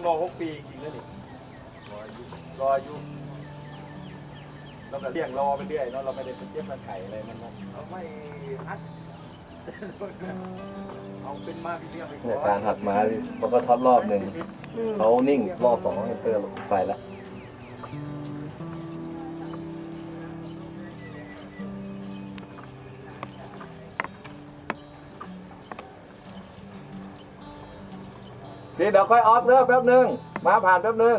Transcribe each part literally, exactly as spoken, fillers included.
รอหกปีจริงๆนะนี่รออายุเราก็เลี้ยงรอไปเรื่อยเนาะเราไม่ได้เป็นเทียบมาไข่อะไรมันนะเราไม่ฮัดเอาเป็นมาพี่เลี้ยงไปก่อนเนี่ยการหัดมาเขาก็ทดรอบหนึ่งเขานิ่งรอบสองให้เพิ่มไปแล้วพี่เดี๋ยวค่อยออฟเด้อแป๊บนึงมาผ่านแป๊บนึง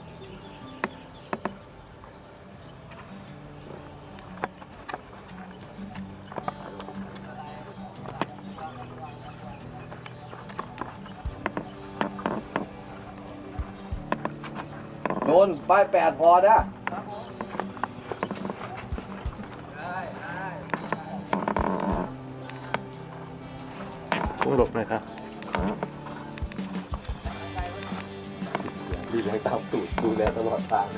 โน่นป้ายแปดพอนะพุ่งหลบหน่อยครับพี่เลี้ยงตามตูดดูแลตลอดทาง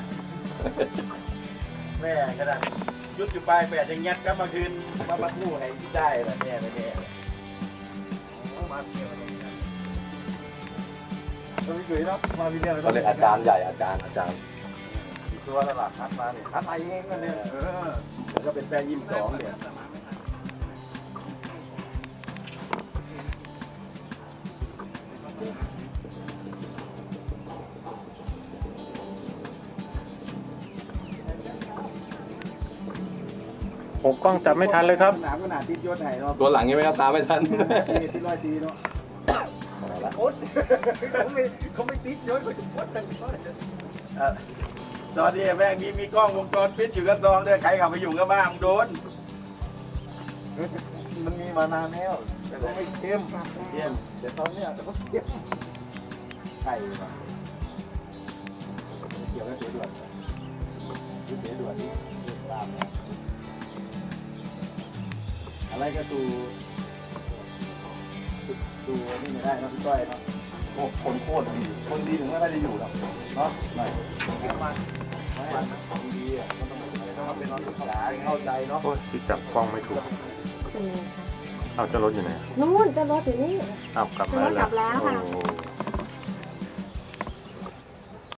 แม่กระดังยุดอยู่ปลายแปดยังยัดก็มาคืนมาบัดมู่ให้ที่ได้แหละแม่แม่มาเที่ยวเราไม่เคยเนาะมาวิเดียวเขาเรียกอาจารย์ใหญ่อาจารย์อาจารย์ตัวตลาดคัดมาเนี่ยคัดมาเองกันเนี่ยเออแล้วก็เป็นแปลงยิ้มสองเนี่ยผมกล้องจับไม่ทันเลยครับหนามขนาดติดยศไหนเนาะตัวหลังยังไม่ตามไม่ทันที่ร้อยตีเนาะโอ๊ตเขาไม่เขาไม่ติดยศเขาจะโอ๊ตแต่ยศตอนนี้แม่งมีมีกล้องวงจรปิดอยู่กับซองเนี่ยใครขับไปอยู่กับบ้างโดนมันมีมานานแล้วแต่ก็ไม่เข้มเข้มแต่ตอนเนี้ยแต่ก็เข้มใช่ป่ะเกี่ยวกับเสียด่วนเสียด่วนตามอะไรก็ดูดูนี่ไม่ได้นะพี่ก้อยเนาะโอ้คนโคตรดีคนดีถึงไม่ได้อยู่หรอกเนาะหน่อยไม่มันไม่มันดีอ่ะมันต้องต้องเป็นน้องศึกษาเข้าใจเนาะโอ้ยที่จับกล้องไม่ถูกเอาจะรถอยู่ไหนนู่นจะรถอยู่นี่เอากลับมาแล้วกลับแล้วค่ะ